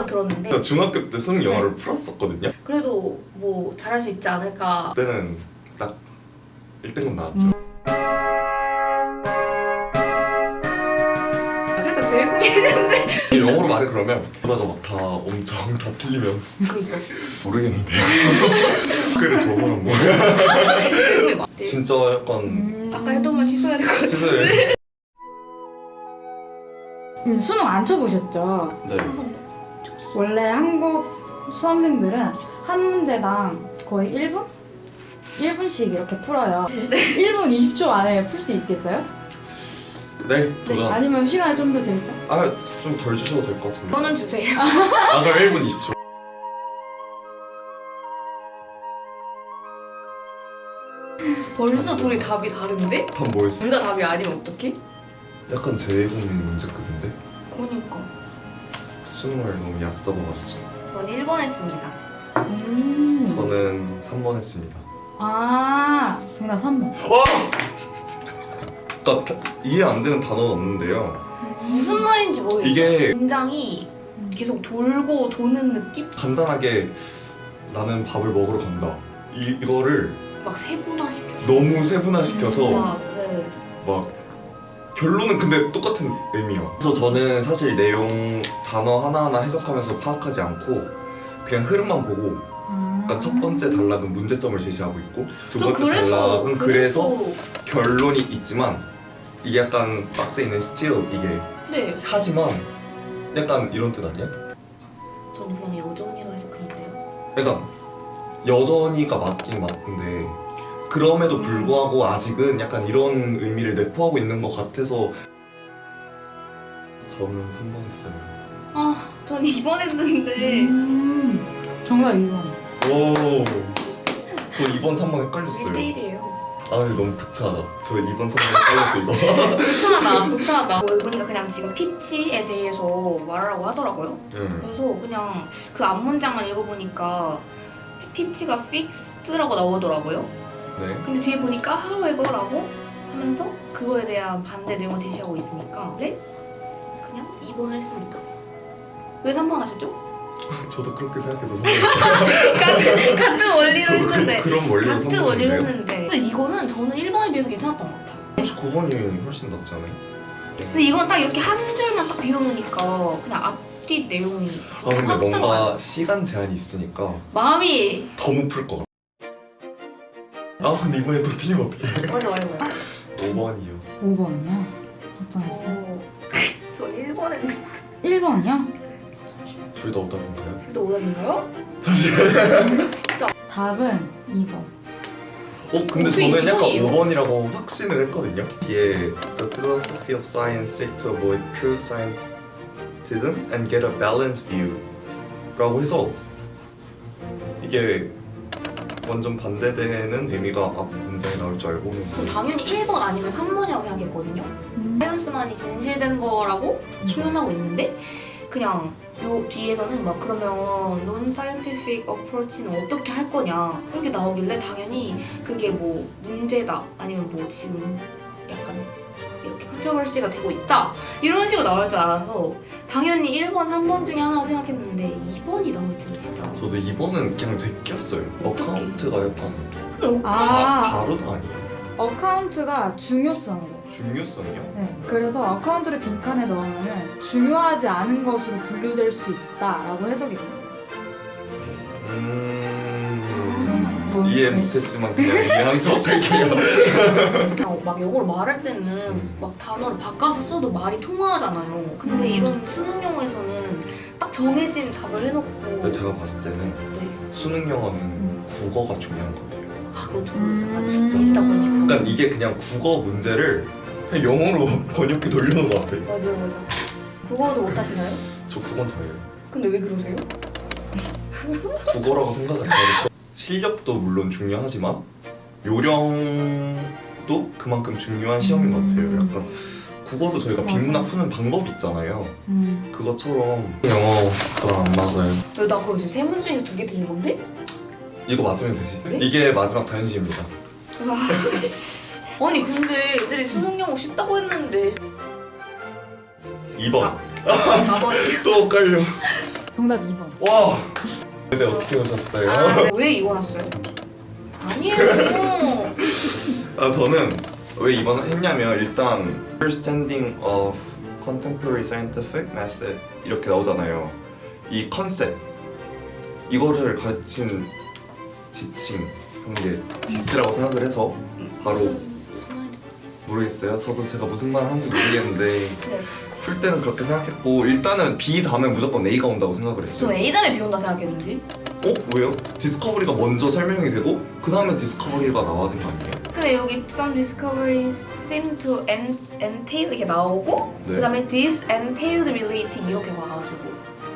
생각은 들었는데 저 중학교 때 수능 영어를 풀었었거든요. 그래도 뭐 잘할 수 있지 않을까. 그때는 딱 1등급 나왔죠. 그래도 제일 고민했는데 영어로 말해 그러면 그러다가 막 다 엄청 다 틀리면 그니까 모르겠는데요. 그래 저 사람 뭐야. 제일 막 진짜 약간 아까 했던 말 취소해야 될 것 같아. 진짜 수능 안 쳐보셨죠? 네. 원래 한국 수험생들은 한 문제당 거의 1분? 1분씩 이렇게 풀어요. 1분 20초 안에 풀 수 있겠어요? 네 도전. 아니면 시간이 좀 더 될까요? 좀 덜 주셔도 될 것 같은데. 저는 주세요. 그럼 1분 20초. 벌써 둘이 답이 다른데? 답 뭐였어? 둘 다 답이 아니면 어떡해? 약간 재외국민 문제급인데? 그러니까 수능을 너무 얕잡아봤어. 전 1번 했습니다. 저는 3번 했습니다. 아, 정답 3번. 그러니까 이해 안 되는 단어는 없는데요. 무슨 말인지 모르겠어요. 이게 굉장히 계속 돌고 도는 느낌? 간단하게 나는 밥을 먹으러 간다. 이거를 막 세분화시켜. 너무 세분화시켜서 네. 막 결론은 근데 똑같은 의미야. 그래서 저는 사실 내용 단어 하나하나 해석하면서 파악하지 않고 그냥 흐름만 보고 그러니까 첫 번째 단락은 문제점을 제시하고 있고 두 또 번째 단락은 그래서 결론이 있지만 이게 약간 박스에 있는 still 이게 네. 하지만 약간 이런 뜻 아니야? 저는 그냥 여전히로 해석했는데요. 약간 여전히가 맞긴 맞는데 그럼에도 불구하고 아직은 약간 이런 의미를 내포하고 있는 것 같아서 저는 3번 했어요. 아, 전 2번 했는데 정답 2번. 오, 저 2번 3번 헷갈렸어요. 1대1이에요. 아 너무 부차하다. 저 2번 3번 헷갈렸어 이거. 부차하다. 보니까 그냥 지금 피치에 대해서 말하라고 하더라고요. 그래서 그냥 그 앞문장만 읽어보니까 피치가 fixed라고 나오더라고요. 네. 근데 뒤에 보니까 however라고 하면서 그거에 대한 반대 내용을 제시하고 있으니까 네? 그냥 2번을 했습니다. 왜 3번 하셨죠? 저도 그렇게 생각해서 3번 했어요. 같은 원리로 저도 했는데 그런 원리로 같은 원리로 3번 했는데 근데 이거는 저는 1번에 비해서 괜찮았던 것 같아요. 혹시 9번이 훨씬 낫지 않아요? 근데 이건 딱 이렇게 한 줄만 딱 비워놓으니까 그냥 앞뒤 내용이 근데 확 뭔가 들어가요. 시간 제한이 있으니까 마음이 더 못 풀 것 같아. 근데 이번에 또 틀리면 어떡해. 맞아 맞아 5번이요. 5번이야? 어떤 했어요? 전 1번 했는데 1번이야? 둘 다 오답인가요? 근데 오답인가요? 잠시만요. 답은 2번. 근데 어떻게 저는 약간 2번이에요? 5번이라고 확신을 했거든요. 이게 The philosophy of science seek to avoid crude scientism and get a balanced view 라고 해서 이게 완전 반대되는 의미가 앞 문장에 나올 줄 알고는 전 당연히 1번 아니면 3번이라고 생각했거든요. 사이언스만이 진실된 거라고 표현하고 있는데 그냥 요 뒤에서는 막 그러면 non-scientific approach는 어떻게 할 거냐 이렇게 나오길래 당연히 그게 뭐 문제다 아니면 뭐 지금 약간 이렇게 컨트로버시가 되고 있다 이런 식으로 나올 줄 알아서 당연히 1번, 3번 중에 하나라고 생각했는데 2번이 나올 줄은 진짜 저도 2번은 그냥 제꼈어요. 어떡해? 어카운트가 약간 근데 바로도 아니에요. 어카운트가 중요성이래요. 중요성이요? 네. 그래서 어카운트를 빈칸에 넣으면 중요하지 않은 것으로 분류될 수 있다라고 해석이 된대요. 이해 못했지만 그냥 이해한 척 할게요. 그냥 막 영어로 말할 때는 막 단어를 바꿔서 써도 말이 통하잖아요. 근데 이런 수능 영어에서는 딱 정해진 답을 해놓고 근데 제가 봤을 때는 네. 수능 영어는 국어가 중요한 것 같아요. 그건 저는 진짜. 읽다 보니까 그러니까 이게 그냥 국어 문제를 그냥 영어로 번역기 돌려놓은 것 같아요. 맞아요. 국어도 못하시나요? 저 국어는 잘해요. 근데 왜 그러세요? 국어라고 생각 안 해요. 실력도 물론 중요하지만 요령도 그만큼 중요한 시험인 것 같아요. 약간 국어도 저희가 맞아. 비문학 푸는 방법이 있잖아요. 그것처럼 영어 저랑 안 맞아요. 나 그럼 지금 세 문제 중에서 2개 틀린 건데? 이거 맞으면 되지. 네? 이게 마지막 자연시입니다. 아니 근데 애들이 수능 영어 쉽다고 했는데 2번. 4번이요. 또 헷갈려. 정답 2번. 와! 근데 어떻게 오셨어요? 왜 이거 났어요? 아니에요. 저는 왜 이번을 했냐면 일단 Understanding of Contemporary Scientific Method 이렇게 나오잖아요. 이 컨셉 이거를 가르친 지칭 하는 게 디스라고 생각을 해서 바로 모르겠어요. 저도 제가 무슨 말을 하는지 모르겠는데 네. 풀 때는 그렇게 생각했고 일단은 B 다음에 무조건 A가 온다고 생각을 저 했어요. A 다음에 B 온다 생각했는데. 왜요? 디스커버리가 먼저 설명이 되고 그 다음에 디스커버리가 나와야 되는 거 아니에요? 근데 여기 some discoveries seem to entail 이렇게 나오고 네. 그다음에 this entailed relating 이렇게 와가지고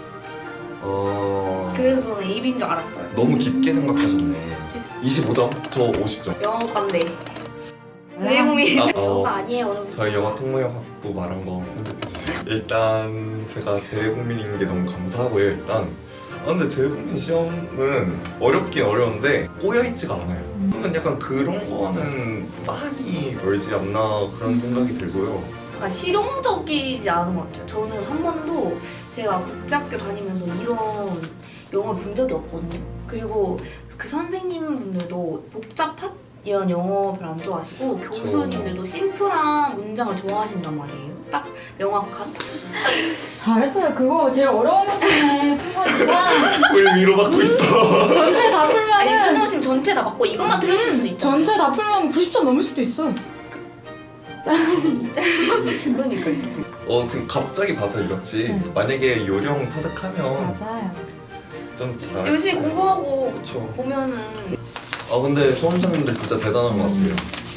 그래서 저는 A, B인 줄 알았어요. 너무 깊게 생각하셨네. 25점? 저 50점. 영어과인데 제이공이 아, 영어가 아니에요 오늘. 저희 영어 통모형학부 말한 거 편집해주세요. 일단 제가 재외국민인 게 너무 감사하고요. 일단 근데 재외국민 시험은 어렵긴 어려운데 꼬여있지가 않아요. 저는 약간 그런 거는 많이 멀지 않나 그런 생각이 들고요. 약간 실용적이지 않은 것 같아요. 저는 한 번도 제가 국제학교 다니면서 이런 영어를 본 적이 없거든요. 그리고 그 선생님분들도 복잡한 이런 영어 별로 안 좋아하시고 교수님들도 심플한 문장을 좋아하신단 말이에요. 딱 명확한. 잘했어요. 그거 제일 어려운 것 중에 풀거니까 왜 위로받고 있어? 전체 다 아니 풀면은 선생님 지금 전체 다 받고 이것만 틀렸을 수도 있죠. 전체 다 풀면 90점 넘을 수도 있어. 그러니까요. 지금 갑자기 봐서 이렇지. 네. 만약에 요령 터득하면 맞아요. 좀 잘. 열심히 공부하고 그쵸. 보면은 근데 수험생님들 진짜 대단한 것 같아요.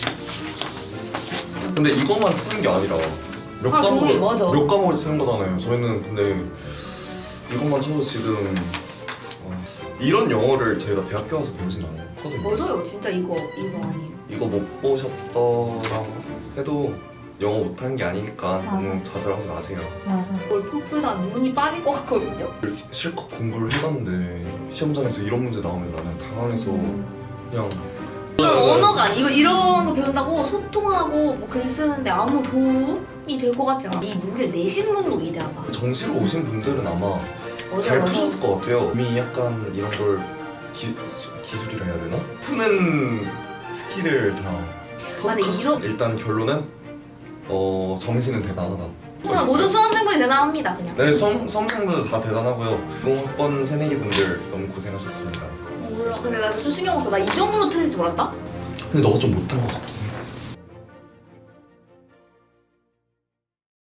근데 이것만 치는 게 아니라 몇 종이, 맞아. 몇 과목을 치는 거잖아요. 저희는 근데 이것만 쳐도 지금 이런 영어를 저희가 대학교 와서 배우진 않거든요. 맞아요. 진짜 이거 아니에요. 이거 못 보셨더라고 해도 영어 못하는 게 아니니까 너무 맞아. 좌절하지 마세요. 맞아. 이걸 풀다 눈이 빠질 것 같거든요. 실컷 공부를 해봤는데 시험장에서 이런 문제 나오면 나는 당황해서 그냥 이건 언어가 아니. 이런 거 배운다고 소통하고 뭐 글 쓰는데 아무 도움이 될 것 같진 않아. 이 문제를 내신 분도 위대하다. 정시로 오신 분들은 아마 맞아요, 잘 맞아요. 푸셨을 것 같아요. 이미 약간 이런 걸 기술이라 해야 되나? 푸는 스킬을 다 아니, 터득하셨어요. 일단 결론은 정시는 대단하다. 그냥 모든 수험생분이 대단합니다. 그냥. 네, 수험생분들 다 대단하고요. 20학번 새내기분들 너무 고생하셨습니다. 몰라. 근데 나 진짜 신경 없어. 나 이 정도로 틀릴 줄 몰랐다? 근데 너가 좀 못한 것 같긴 해.